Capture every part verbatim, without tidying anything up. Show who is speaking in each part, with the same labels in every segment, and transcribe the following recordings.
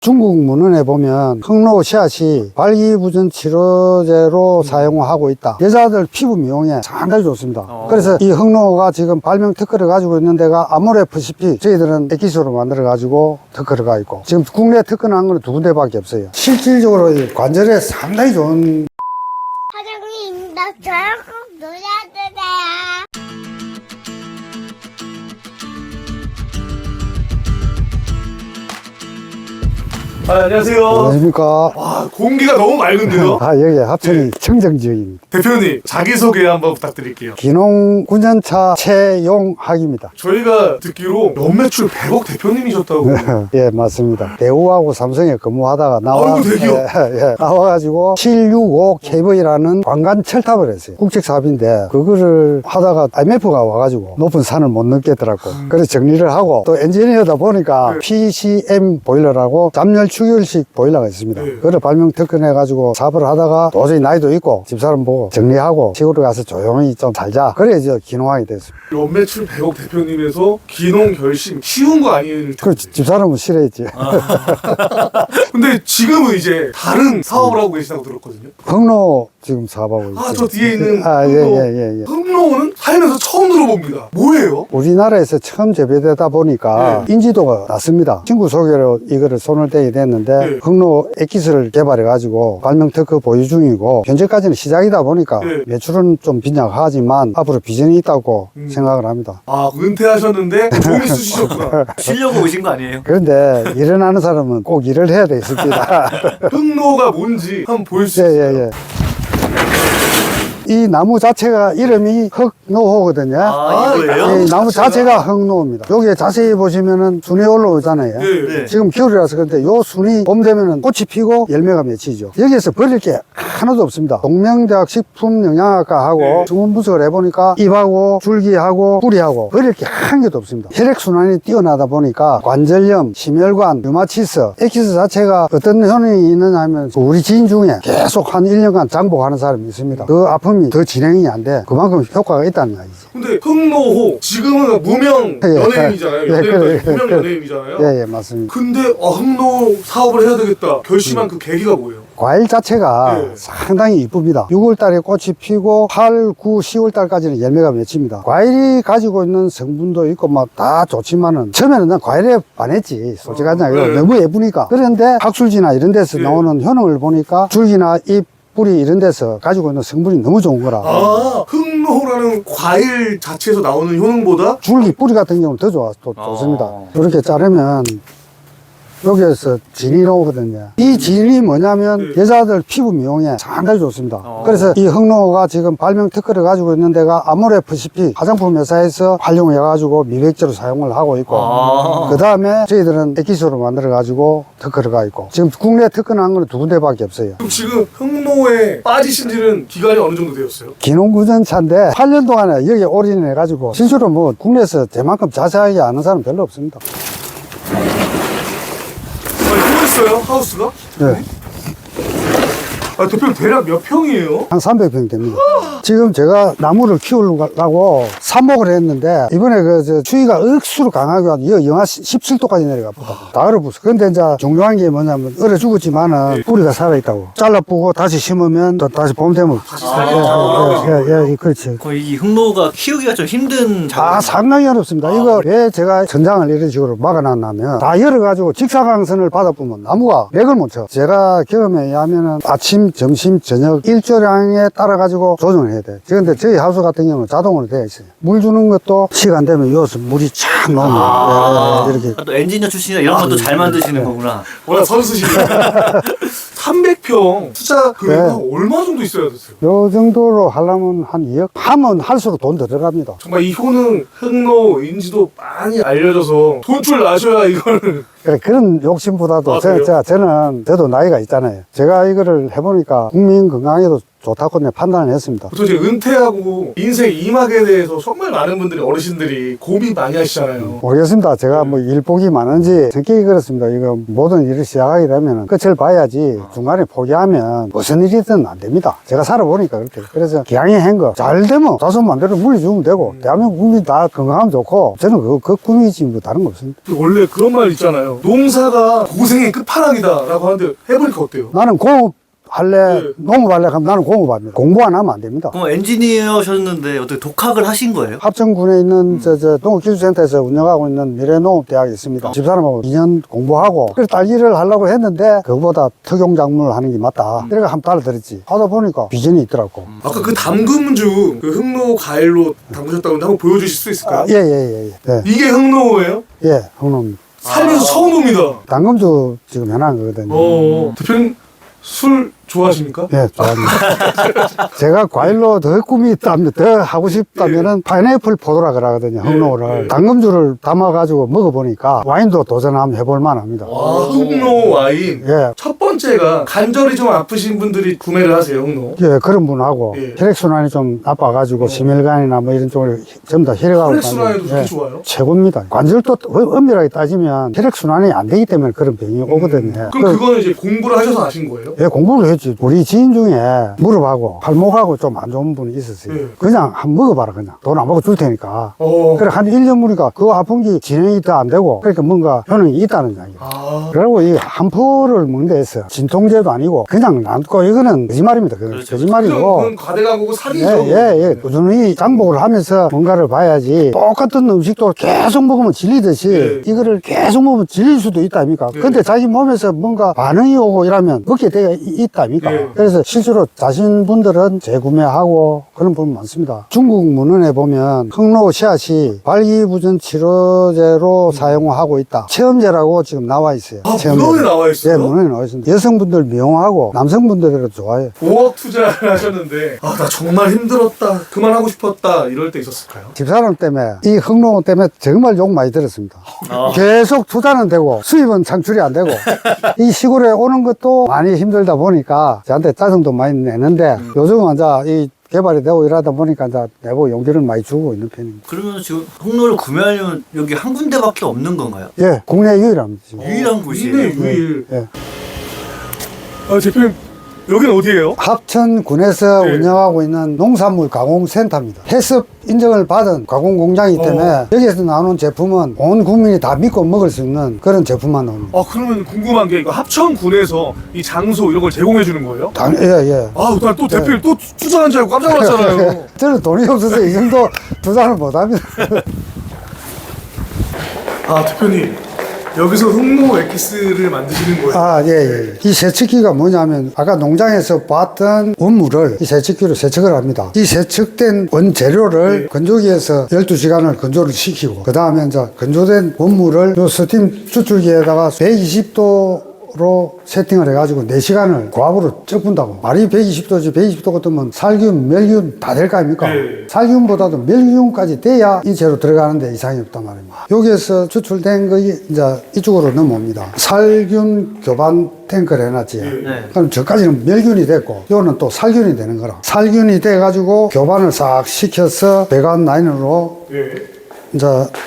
Speaker 1: 중국 문헌에 보면 흑로 씨앗이 발기부전 치료제로 사용하고 있다. 여자들 피부 미용에 상당히 좋습니다.
Speaker 2: 어.
Speaker 1: 그래서 이 흑로가 지금 발명 특허를 가지고 있는 데가 아모레프시피, 저희들은 액기스로 만들어 가지고 특허를 가 있고, 지금 국내 특허 난 거는 두 군데밖에 없어요. 실질적으로 이 관절에 상당히 좋은.
Speaker 3: 사장님, 나 저랑 꼭 놀아주세요.
Speaker 2: 아, 안녕하세요.
Speaker 1: 안녕하십니까.
Speaker 2: 와, 공기가 너무 맑은데요?
Speaker 1: 아, 여기 합천이
Speaker 2: 네.
Speaker 1: 청정지역입니다.
Speaker 2: 대표님, 자기소개 한번 부탁드릴게요.
Speaker 1: 기농 군전차 최용학입니다.
Speaker 2: 저희가 듣기로 연매출 백억 대표님이셨다고.
Speaker 1: 예, 맞습니다. 대우하고 삼성에 근무하다가 나와,
Speaker 2: 아이고, 대기업.
Speaker 1: 예, 예, 나와가지고 칠백육십오 케이브이라는 관관 철탑을 했어요. 국책 사업인데 그거를 하다가 아이엠에프가 와가지고 높은 산을 못 넘겠더라고.
Speaker 2: 음.
Speaker 1: 그래서 정리를 하고 또 엔지니어다 보니까
Speaker 2: 네.
Speaker 1: 피씨엠 보일러라고 잠열 추결식 보일러가 있습니다.
Speaker 2: 네.
Speaker 1: 그걸 발명 특허내가지고 사업을 하다가 도저히 나이도 있고 집사람 보고 정리하고 시골에 가서 조용히 좀 살자. 그래 이제 기농하게 됐습니다.
Speaker 2: 연매출 백억 대표님에서 기농 결심 쉬운 거 아니에요?
Speaker 1: 그 집사람은 싫어했지.
Speaker 2: 근데 지금은 이제 다른 사업을 하고 계시다고 들었거든요.
Speaker 1: 흑로 지금 사업하고 있어요.
Speaker 2: 아, 저 뒤에 있는
Speaker 1: 아, 예,
Speaker 2: 흑로.
Speaker 1: 예, 예, 예.
Speaker 2: 흑로는 살면서 처음 들어봅니다. 뭐예요?
Speaker 1: 우리나라에서 처음 재배되다 보니까
Speaker 2: 네.
Speaker 1: 인지도가 낮습니다. 친구 소개로 이거를 손을 떼게 됐는데
Speaker 2: 네.
Speaker 1: 흑로 액기스를 개발해가지고 발명 특허 보유 중이고 현재까지는 시작이다 보니까
Speaker 2: 네.
Speaker 1: 매출은 좀 빈약하지만 앞으로 비전이 있다고
Speaker 2: 음.
Speaker 1: 생각을 합니다.
Speaker 2: 아, 은퇴하셨는데 돈 있으시셨구나.
Speaker 4: 쉬려고 오신 거 아니에요?
Speaker 1: 그런데 일을 하는 사람은 꼭 일을 해야 되겠습니다.
Speaker 2: 흑로가 뭔지 한번 보일 수
Speaker 1: 예,
Speaker 2: 있어요?
Speaker 1: 예, 예. 이 나무 자체가 이름이 흑노호거든요.
Speaker 4: 아, 이거예요?
Speaker 1: 이 나무 자체가 흑노입니다. 여기에 자세히 보시면은 순이 올라오잖아요.
Speaker 2: 네.
Speaker 4: 네.
Speaker 1: 지금 겨울이라서 그런데 요 순이 봄 되면은 꽃이 피고 열매가 맺히죠. 여기에서 버릴 게 하나도 없습니다. 동명대학 식품영양학과하고
Speaker 2: 네.
Speaker 1: 성분 분석을 해보니까 잎하고 줄기하고 뿌리하고 버릴 게 한 개도 없습니다. 혈액순환이 뛰어나다 보니까 관절염, 심혈관, 류마티스, 액기스 자체가 어떤 효능이 있느냐 하면 우리 지인 중에 계속 한 일 년간 장복하는 사람이 있습니다. 그 아픔이 더 진행이 안 돼. 그만큼 효과가 있다는 거지.
Speaker 2: 근데 흑노호 지금은 무명
Speaker 1: 예.
Speaker 2: 연예인이잖아요.
Speaker 1: 예,
Speaker 2: 연예인
Speaker 1: 그래,
Speaker 2: 무명
Speaker 1: 그래.
Speaker 2: 연예인이잖아요.
Speaker 1: 예, 예, 맞습니다.
Speaker 2: 근데 아, 흑노 사업을 해야 되겠다 결심한 그 계기가 뭐예요?
Speaker 1: 과일 자체가
Speaker 2: 네.
Speaker 1: 상당히 이쁩니다. 유월 달에 꽃이 피고 팔, 구, 시월 달까지는 열매가 맺힙니다. 과일이 가지고 있는 성분도 있고 막 다 좋지만은 처음에는 난 과일에 반했지. 솔직하지 않아요.
Speaker 2: 네.
Speaker 1: 너무 예쁘니까. 그런데 학술지나 이런 데서
Speaker 2: 네.
Speaker 1: 나오는 효능을 보니까 줄기나 잎, 뿌리 이런 데서 가지고 있는 성분이 너무 좋은 거라.
Speaker 2: 아, 흑노라는 과일 자체에서 나오는 효능보다
Speaker 1: 줄기, 뿌리 같은 경우는 더 좋아, 또
Speaker 4: 아.
Speaker 1: 좋습니다. 이렇게 자르면 여기에서 진이 나오거든요. 이 진이 뭐냐면
Speaker 2: 네.
Speaker 1: 여자들 피부 미용에 상당히 좋습니다.
Speaker 4: 어.
Speaker 1: 그래서 이 흑노가 지금 발명 특허를 가지고 있는 데가 아모레프시피 화장품 회사에서 활용해가지고 미백제로 사용을 하고 있고,
Speaker 4: 아.
Speaker 1: 그 다음에 저희들은 액기스로 만들어가지고 특허를 가 있고, 지금 국내 특허 난 거는 두 군데밖에 없어요.
Speaker 2: 그럼 지금 흑노에 빠지신 지는 기간이 어느 정도 되었어요?
Speaker 1: 기농구전차인데 팔 년 동안에 여기 올인해가지고 실제로 뭐 국내에서 제만큼 자세하게 아는 사람 별로 없습니다.
Speaker 2: 아, 또 있어요? 하우스가?
Speaker 1: 네.
Speaker 2: 아, 대표님 대략 몇 평이에요?
Speaker 1: 한 삼백 평 됩니다. 지금 제가 나무를 키우려고 삽목을 했는데 이번에 그 저 추위가 억수로 강하게 와서 여- 영하 십칠 도까지 내려갔거든. 다 얼어붙어. 근데 이제 중요한 게 뭐냐면 얼어 죽었지만은 뿌리가 살아있다고. 잘라뿌고 다시 심으면 또 다시 봄 되면
Speaker 2: 아.
Speaker 1: 예, 예, 예, 예, 그렇지.
Speaker 4: 거의 이 흑로가 키우기가 좀 힘든 작업.
Speaker 1: 아, 상당히 어렵습니다. 이거 왜 제가 전장을 이런 식으로 막아놨냐면 다 열어가지고 직사광선을 받아보면 나무가 맥을 못 쳐. 제가 경험에 의하면은 아침, 점심, 저녁 일조량에 따라가지고 조정을 해야 돼. 그런데 저희 하우스 같은 경우는 자동으로 되어 있어요. 물 주는 것도 시간 되면 여기서 물이 쫙 나오면
Speaker 4: 아,
Speaker 1: 예, 예, 이렇게.
Speaker 4: 또 엔지니어 출신이라 이런 것도 잘 만드시는 거구나.
Speaker 2: 워낙 선수시네. 삼백 평 투자 금액은
Speaker 1: 네.
Speaker 2: 얼마 정도 있어야 됐어요?
Speaker 1: 요 정도로 하려면 한 이억? 하면 할수록 돈 더 들어갑니다.
Speaker 2: 정말 이 효능, 흑노, 인지도 많이 알려져서 돈줄 나셔야 이거를.
Speaker 1: 그래, 그런 욕심보다도
Speaker 2: 아,
Speaker 1: 저,
Speaker 2: 그래요?
Speaker 1: 저, 저는 저도 나이가 있잖아요. 제가 이거를 해보니까 국민 건강에도 좋다고 내 판단을 했습니다.
Speaker 2: 보통 이제 은퇴하고 인생 이막에 대해서 정말 많은 분들이 어르신들이 고민 많이 하시잖아요.
Speaker 1: 모르겠습니다. 제가 뭐 일복이 많은지 성격이 그렇습니다. 이거 모든 일을 시작하게 되면 끝을 봐야지 중간에 포기하면 무슨 일이든 안 됩니다. 제가 살아보니까 그렇게. 그래서 기왕에 한 거 잘 되면 자손 만대로 물려주면 되고 대한민국 국민 다 건강하면 좋고 저는 그, 그 꿈이지 뭐 다른 거 없습니다.
Speaker 2: 원래 그런 말 있잖아요. 있잖아요. 농사가 고생의 끝판왕이다라고 하는데 해보니까 어때요?
Speaker 1: 나는 공업 할래,
Speaker 2: 네.
Speaker 1: 농업 할래 하면 나는 공업합니다. 공부 안 하면 안 됩니다.
Speaker 4: 그럼 엔지니어셨는데 어떻게 독학을 하신 거예요?
Speaker 1: 합천군에 있는 저, 저 농업기술센터에서 운영하고 있는 미래농업대학이 있습니다. 집사람하고 이 년 공부하고 그래서 딸기를 하려고 했는데 그거보다 특용작물을 하는 게 맞다. 그래가 한번 따라들었지. 하다 보니까 비전이 있더라고.
Speaker 2: 아까 그 담금주 그 흑로 과일로 담그셨다고 하는데 한번 보여주실 수 있을까요?
Speaker 1: 아, 예, 예, 예. 예,
Speaker 2: 이게 흑로예요?
Speaker 1: 예, 형님.
Speaker 2: 살면서 처음 봅니다.
Speaker 1: 당금주 지금 해놓은 거거든요.
Speaker 2: 어, 대표님 술 좋아하십니까?
Speaker 1: 예, 좋아합니다. 제가 과일로 더 꿈이 있다면, 더 하고 싶다면은 파인애플 포도라 그러거든요, 흑로를.
Speaker 2: 예.
Speaker 1: 당금주를 담아가지고 먹어보니까 와인도 도전 한번 해볼 만합니다.
Speaker 2: 와, 흑로 와인.
Speaker 1: 예.
Speaker 2: 첫 번째가 관절이 좀 아프신 분들이 구매를 하세요, 흑로.
Speaker 1: 예, 그런 분하고
Speaker 2: 예.
Speaker 1: 혈액순환이 좀 나빠가지고 심혈관이나 뭐 이런 쪽으로 전부 다 혈액하고
Speaker 2: 혈액순환에도
Speaker 1: 다니는,
Speaker 2: 그렇게
Speaker 1: 예,
Speaker 2: 좋아요?
Speaker 1: 최고입니다. 관절도 엄밀하게 따지면 혈액순환이 안 되기 때문에 그런 병이 오거든요.
Speaker 2: 그럼
Speaker 1: 그-
Speaker 2: 그거는 이제 공부를 하셔서 아신 거예요?
Speaker 1: 예, 공부를 했지. 우리 지인 중에 무릎하고 팔목하고 좀 안 좋은 분이 있었어요.
Speaker 2: 예.
Speaker 1: 그냥 한번 먹어봐라, 그냥. 돈 안 받고 줄 테니까.
Speaker 2: 어.
Speaker 1: 그래, 한 일 년 보니까 그 아픈 게 진행이 더 안 되고, 그러니까 뭔가 효능이 있다는 이야기예요.
Speaker 2: 아.
Speaker 1: 그리고 이 한 포를 먹는 데 있어요. 진통제도 아니고, 그냥 남고, 이거는 거짓말입니다. 그건
Speaker 4: 그렇죠.
Speaker 1: 거짓말이고.
Speaker 2: 그건 과대광고고 사기죠.
Speaker 1: 예, 예, 예. 꾸준히 장복을 하면서 뭔가를 봐야지 똑같은 음식도 계속 먹으면 질리듯이
Speaker 2: 예.
Speaker 1: 이거를 계속 먹으면 질릴 수도 있다 아닙니까?
Speaker 2: 예.
Speaker 1: 근데 자기 몸에서 뭔가 반응이 오고 이러면 먹게 되어 있다 아닙니까?
Speaker 2: 예.
Speaker 1: 그래서 실제로 자신분들은 재구매하고 그런 부분 많습니다. 중국 문헌에 보면 흑로 씨앗이 발기부전 치료제로 사용하고 있다. 체험제라고 지금 나와 있어요.
Speaker 2: 아,
Speaker 1: 체험제.
Speaker 2: 문헌에 나와 있어요?
Speaker 1: 예, 문헌에 나와 있습니다. 여성분들 미용하고 남성분들도 좋아요.
Speaker 2: 오억 투자를 하셨는데 아, 나 정말 힘들었다. 그만하고 싶었다. 이럴 때 있었을까요?
Speaker 1: 집사람 때문에 이 흑로 때문에 정말 욕 많이 들었습니다.
Speaker 4: 아.
Speaker 1: 계속 투자는 되고 수입은 창출이 안 되고 이 시골에 오는 것도 많이 힘들다 보니까 저한테 짜증도 많이 내는데 요즘은 이제 이 개발이 되고 이러다 보니까 이제 내보고 용기를 많이 주고 있는 편입니다.
Speaker 4: 그러면 지금 흑로를 구매하려면 여기 한 군데밖에 없는 건가요?
Speaker 1: 예, 국내 유일합니다. 지금.
Speaker 4: 유일한 곳이에요.
Speaker 2: 유일, 유일.
Speaker 1: 예.
Speaker 2: 아, 대표님 여기는 어디예요?
Speaker 1: 합천군에서
Speaker 2: 네.
Speaker 1: 운영하고 있는 농산물 가공센터입니다. 해썹 인정을 받은 가공 공장이기 때문에
Speaker 2: 어.
Speaker 1: 여기에서 나오는 제품은 온 국민이 다 믿고 먹을 수 있는 그런 제품만 나옵니다.
Speaker 2: 아, 그러면 궁금한 게 이거 합천군에서 이 장소 이런 걸 제공해 주는 거예요?
Speaker 1: 당, 예, 예.
Speaker 2: 아, 나 또 대표님 또 투자한 줄 알고 깜짝 놀랐잖아요.
Speaker 1: 저는 돈이 없어서 이 정도 투자를 못 합니다.
Speaker 2: 아, 대표님 여기서 흑로 엑기스를 만드시는 거예요?
Speaker 1: 아, 예, 예. 이 세척기가 뭐냐면, 아까 농장에서 봤던 원물을 이 세척기로 세척을 합니다. 이 세척된 원재료를
Speaker 2: 네.
Speaker 1: 건조기에서 열두 시간을 건조를 시키고, 그 다음에 이제 건조된 원물을 요 스팀 추출기에다가 백이십 도로 세팅을 해가지고 네 시간을 고압으로 쪄분다고. 말이 백이십 도지, 백이십 도 같으면 살균, 멸균 다 될 거 아닙니까?
Speaker 2: 네.
Speaker 1: 살균보다도 멸균까지 돼야 이 재료 들어가는데 이상이 없단 말입니다. 여기에서 추출된 것이 이제 이쪽으로 넘어옵니다. 살균 교반 탱크를 해놨지.
Speaker 4: 네.
Speaker 1: 그럼 저까지는 멸균이 됐고, 요는 또 살균이 되는 거라. 살균이 돼가지고 교반을 싹 시켜서 배관 라인으로
Speaker 2: 예.
Speaker 1: 이제,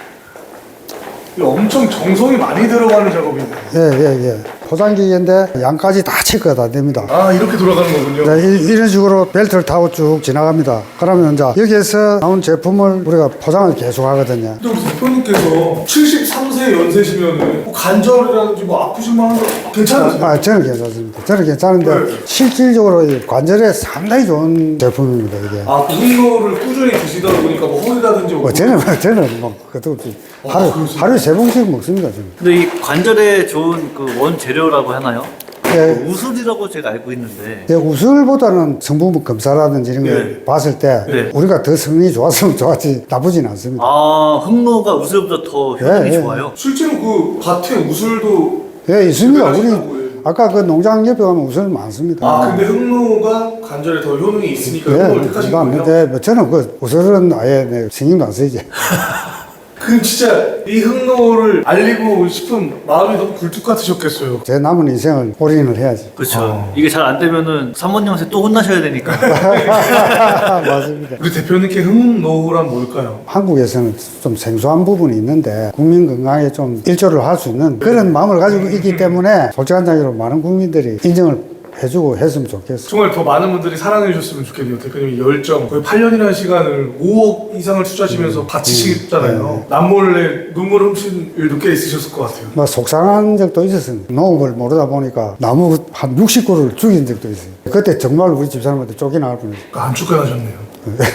Speaker 2: 이거 엄청 정성이 많이 들어가는 작업이네요.
Speaker 1: 예, 예, 예. 포장기인데 양까지 다 체크가 다 됩니다.
Speaker 2: 아, 이렇게 돌아가는 거군요.
Speaker 1: 네, 이- 이런 식으로 벨트를 타고 쭉 지나갑니다. 그러면 이제 여기에서 나온 제품을 우리가 포장을 계속 하거든요.
Speaker 2: 근데 우리 대표님께서 칠십삼 세 연세시면 뭐 관절이라든지 뭐 아프신 만한 거 괜찮으세요?
Speaker 1: 아, 저는 괜찮습니다. 저는 괜찮은데
Speaker 2: 네.
Speaker 1: 실질적으로 이 관절에 상당히 좋은 제품입니다, 이게.
Speaker 2: 아, 그 흑로를 꾸준히 드시다 보니까 뭐 허리라든지
Speaker 1: 뭐 저는 저는 뭐 그것도 없이 하루 하루에 세 번씩 먹습니다, 저는.
Speaker 4: 근데 이 관절에 좋은 그 원재료라고 하나요?
Speaker 1: 예.
Speaker 4: 그 우슬이라고 제가 알고 있는데.
Speaker 1: 예, 우슬보다는 성분 검사라든지 이런 걸
Speaker 4: 네.
Speaker 1: 봤을 때
Speaker 4: 네.
Speaker 1: 우리가 더 성능이 좋았으면 좋았지 나쁘진 않습니다.
Speaker 4: 아, 흑로가 우슬보다 더 효능이
Speaker 1: 예, 예.
Speaker 4: 좋아요?
Speaker 2: 실제로 그 밭에 우슬도
Speaker 1: 예, 있습니다.
Speaker 2: 집에
Speaker 1: 우리
Speaker 2: 가신다고 해요.
Speaker 1: 아까 그 농장 옆에 가면 우슬 많습니다.
Speaker 2: 아, 근데 흑로가 관절에 더 효능이 있으니까 흑로를 택하신 거예요?
Speaker 1: 근데 뭐 저는 그 우슬은 아예 내 신경도 안 쓰이지.
Speaker 2: 그 진짜 이 흑로를 알리고 싶은 마음이 너무 굴뚝 같으셨겠어요.
Speaker 1: 제 남은 인생을 올인을 해야지.
Speaker 4: 그렇죠. 이게 잘 안 되면은 사모님한테 또 혼나셔야 되니까.
Speaker 1: 맞습니다.
Speaker 2: 우리 대표님께 흑로란 뭘까요?
Speaker 1: 한국에서는 좀 생소한 부분이 있는데 국민 건강에 좀 일조를 할 수 있는 그런 마음을 가지고 있기 때문에 솔직한 이야기로 많은 국민들이 인정을 해주고 했으면 좋겠어.
Speaker 2: 정말 더 많은 분들이 사랑해 주셨으면 좋겠네요. 대표님이 열정 거의 팔 년이라는 시간을 오억 이상을 투자하시면서 바치시잖아요. 남몰래 눈물 훔친 일 늦게 있으셨을 것 같아요.
Speaker 1: 막 속상한 적도 있었습니다. 농업을 모르다 보니까 나무 한 육십 그루를 죽인 적도 있어요. 그때 정말 우리 집사람한테 쫓겨나갈 뻔했어요.
Speaker 2: 안 쫓겨나셨네요.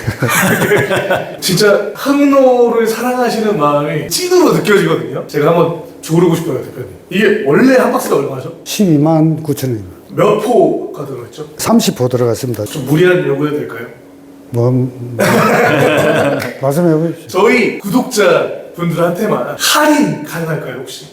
Speaker 2: 진짜 흑노를 사랑하시는 마음이 찐으로 느껴지거든요. 제가 한번 조르고 싶어요, 대표님. 이게 원래 한 박스가 얼마죠?
Speaker 1: 십이만 구천 원입니다.
Speaker 2: 몇 포가 들어있죠?
Speaker 1: 삼십 호 들어갔습니다.
Speaker 2: 좀 무리한 요구해도 될까요?
Speaker 1: 뭐, 음, 말씀해 보십시오.
Speaker 2: 저희 구독자 분들한테만 할인 가능할까요, 혹시?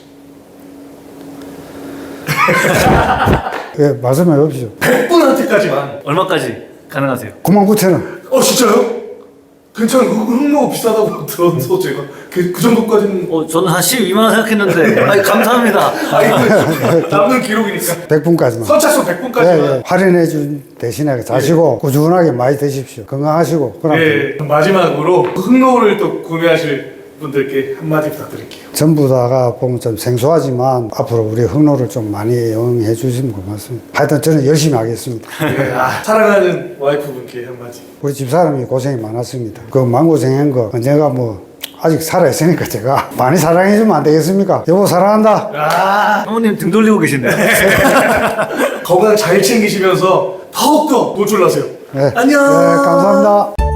Speaker 1: 예, 말씀해 보십시오.
Speaker 2: 백 분한테까지만.
Speaker 4: 얼마까지 가능하세요?
Speaker 1: 구만 구천 원.
Speaker 2: 어, 진짜요? 괜찮아요. 흑노 비싸다고 들어서 제가 그, 그 정도까지는.
Speaker 4: 어, 저는 한 십이만 원 생각했는데. 아니, 감사합니다.
Speaker 2: 아, 이거 남는 기록이니까.
Speaker 1: 백 분까지만.
Speaker 2: 선착순 백 분까지만.
Speaker 1: 예, 예. 할인해 준 대신에 자시고 꾸준하게 많이 드십시오. 건강하시고. 그럼
Speaker 2: 예, 그럼 마지막으로 흑노를 또 구매하실 분들께 한마디 부탁드릴게요.
Speaker 1: 전부 다가 보면 좀 생소하지만 앞으로 우리 흑노를 좀 많이 응해 주시면 고맙습니다. 하여튼 저는 열심히 하겠습니다.
Speaker 2: 예, 아, 사랑하는 와이프분께 한마디.
Speaker 1: 우리 집사람이 고생이 많았습니다. 그 마음고생한 거 언제가 뭐 아직 살아있으니까 제가 많이 사랑해 주면 안 되겠습니까? 여보 사랑한다.
Speaker 2: 아,
Speaker 4: 사모님 등 돌리고 계신데요.
Speaker 2: 건강 잘 챙기시면서 더욱더 노출나세요.
Speaker 1: 네.
Speaker 2: 안녕.
Speaker 1: 네, 감사합니다.